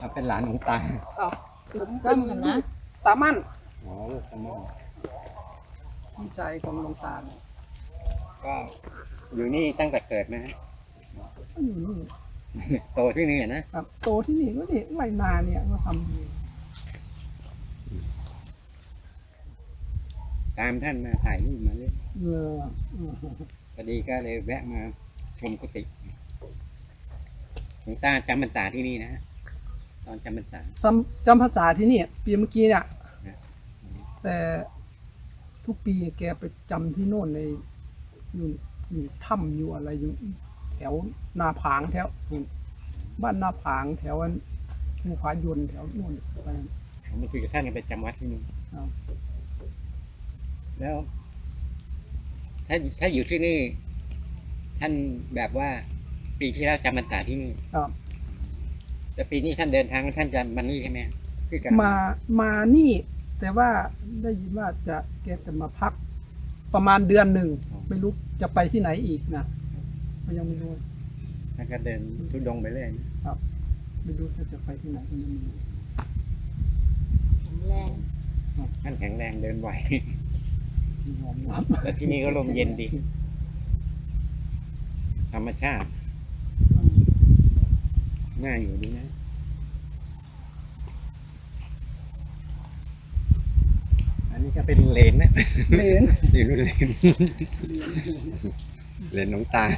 เป็นหลานของตาผมเป็นลูกตามั่นอ๋อลูกตามั่นพี่ชายของหลวงตาก็อยู่นี่ตั้งแต่เกิดนะฮะอยู่นี่โตที่นี่นะครับโตที่นี่ก็นี่ไรนาเนี่ยก็ทำตามท่านมาถ่ายรูปมาเรื่อยพอดีก็เลยแวะมาชมกุฏิหลวงตาจำพรรษาที่นี่นะตอนจำพรรษาจำพรรษาที่นี่ปีเมื่อกี้เนี่ยแต่ทุกปีแกไปจำที่โน่นในอยู่ถ้ำอยู่อะไรอยู่แถวนาผางแถวบ้านนาผางแถวภูผายนแถวโน่นไปผมมาคุยกับท่านไปจำวัดที่นี่แล้วถ้าอยู่ที่นี่ท่านแบบว่าปีที่แล้วจำพรรษาที่นี่แต่ปีนี้ท่านเดินทางท่านจะมานี่ใช่ไหมมานี่แต่ว่าได้ยินว่าแกจะมาพักประมาณเดือนหนึ่งไม่รู้จะไปที่ไหนอีกนะยังไม่รู้ท่านก็เดินทุดงไปเรื่อยครับไม่รู้จะไปที่ไหนก็ไม่รู้แข็งแรงท่านแข็งแรงเดินไหวแล้วที่นี่ก็ลมเย็นดีธรรมชาติน่าอยู่ดีนะอันนี้ก็เป็นเลนนะเลนอยู่รุ่นเลนเลนน้องตา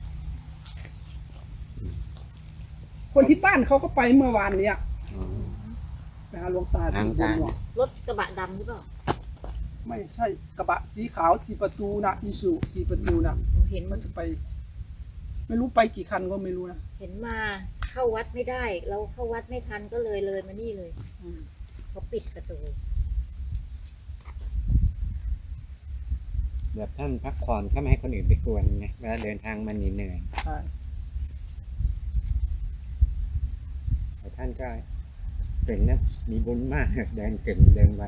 คนที่บ้านเขาก็ไปเมื่อวานเนี่ยไปหาหลวงตาที่บุญหลวงรถกระบะดำหรือเปล่าไม่ใช่กระบะสีขาว4 ประตูนะอิสุ4 ประตูนะเห็นมันจะไปไม่รู้ไปกี่คันก็ไม่รู้นะเห็นมาเข้าวัดไม่ได้เราเข้าวัดไม่ทันก็เลยมานี่เลยเขาปิดประตูแบบท่านพักผ่อนเขาไม่ให้คนอื่นไปกวนไงเวลาเดินทางมันเหนื่อยใช่แต่ท่านก็เก่งนะมีบุญมากเดินเก่งเดินไว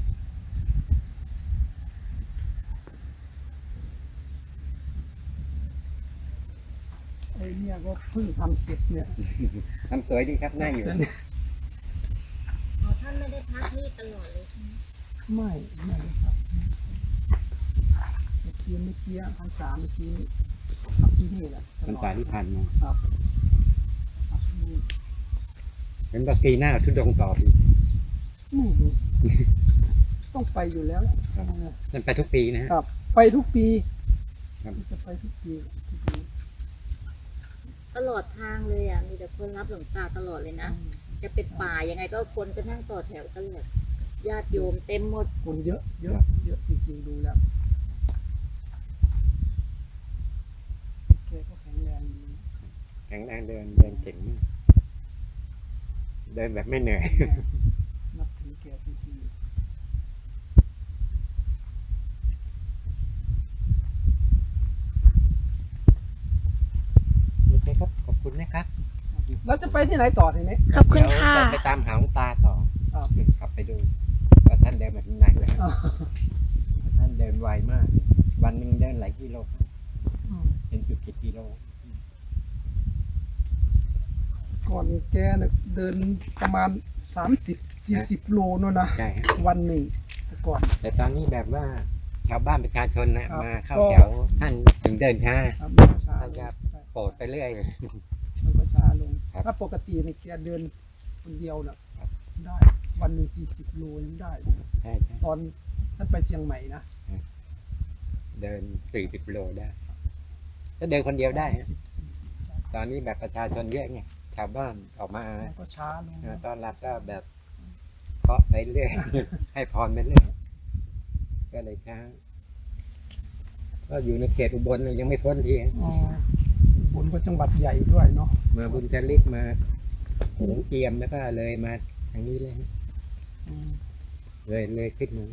ไอ้เนี่ยก็เพิ่งทำเสร็จเนี่ยทำสวยดีครับน่าอยู่ท่านไม่ได้พักนี่ตลอดเลยใช่ไหมไม่ได้ครับเมื่อกี้พรรษาเมื่อกี้พักที่นี่แหละพรรษาที่ผ่านมาครับเป็นว่าปีหน้าทุดงต่ออีกไม่รู้ต้องไปอยู่แล้วมันไปทุกปีนะครับไปทุกปีจะไปทุกปีตลอดทางเลยอ่ะมีแต่คนรับหลวงตาตลอดเลยนะจะเป็นป่ายังไงก็คนก็นั่งต่อแถวตลอดญาติโยมเต็มหมดคนเยอะจริงๆดูแล้วแกก็แข็งแรงดีแข็งแรงเดินเก่งเดินแบบไม่เหนื่อยนับถือแกจริงๆโอเคครับขอบคุณนะครับแล้วจะไปที่ไหนต่อทีนี้ขอบคุณค่ะไปตามหาหลวงตาต่อขับไปดูว่าท่านเดินมาถึงไหนแล้วท่านเดินไวมากวันหนึ่งเดินหลายกิโลเป็น10 กิโลก่อนแกเดินประมาณ30-40 โลนู่นนะวันหนึ่งก่อนแต่ตอนนี้แบบว่าชาวบ้านประชาชนนะมาเข้าแถวท่านถึงเดินช้าท่านจะโปรดไปเรื่อยมันก็ช้าลงถ้าปกติเนี่ยแกเดินคนเดียวน่ะได้วันหนึ่ง40 โลยังได้ตอนท่านไปเชียงใหม่นะเดิน40 โลได้ถ้าเดินคนเดียวได้ตอนนี้แบบประชาชนเยอะไงชาวบ้านออกมาก็ช้าลงตอนรับก็แบบเคาะไปเรื่อยให้พรไปเรื่อยก็เลยช้าก็อยู่ในเขตอุบลยังไม่พ้นทีอุบลก็จังหวัดใหญ่ด้วยเนาะมาบุญจริกมาหงเจียมแล้วก็เลยมาทางนี้เลยขึ้นมา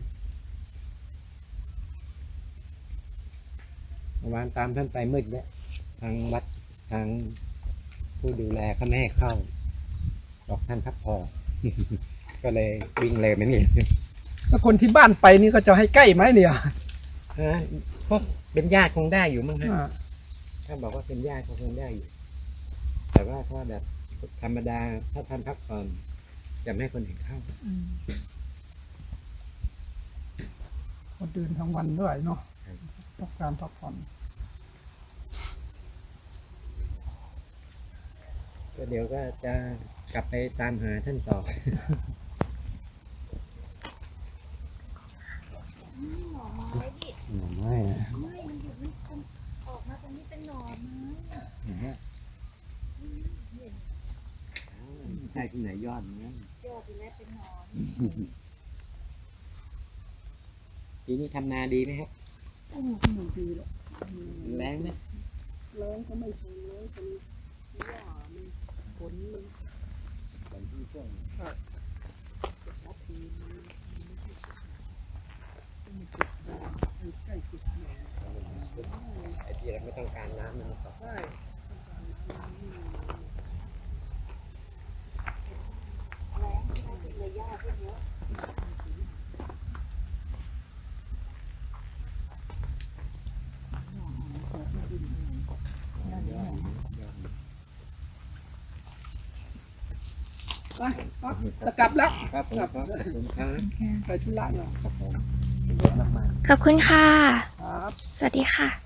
เมื่อวานตามท่านไปมืดแล้วทางวัดทางผู้ดูแลเขาไม่ให้เข้าบอกท่านพักผ่อนก็เลยวิ่งเลยไม่นี่ถ้าคนที่บ้านไปนี่ก็จะให้ใกล้ไหมเนี่ยพวกเป็นญาติคงได้อยู่มั้งฮะถ้าบอกว่าเป็นญาติคงได้อยู่แต่ว่าถ้าแบบธรรมดาถ้าท่านพักผ่อนจะไม่ให้คนอื่นเข้าก็เดินทั้งวันด้วยเนาะต้องการพักผ่อนก็เดี๋ยวก็จะกลับไปตามหาท่านต่อหน่อไม้ดิหน่อไม้นะไม่มันอยู่นี่ออกมาตรงนี้เป็นหน่อไม้นะฮะใช่ที่ไหนยอดนะยอดไปแล้วเป็นหน่อปีนี้ทำนาดีไหมครับไม่ดีหรอกแรงไหมแรงก็ไม่ใช่แรงเป็นว่ามันฝนมันฝนที่ช่วงทับทีมันใกล้จุดหน่อยไอ้ที่เราไม่ต้องการน้ำมันก็ใช่แรงที่ได้เลยยอดขึ้นเยอะไปปั๊บจะกลับแล้วครับผมครับขอบคุณครับไปธุระหน่อยครับผมรถน้ำมันขอบคุณค่ะครับสวัสดีค่ะ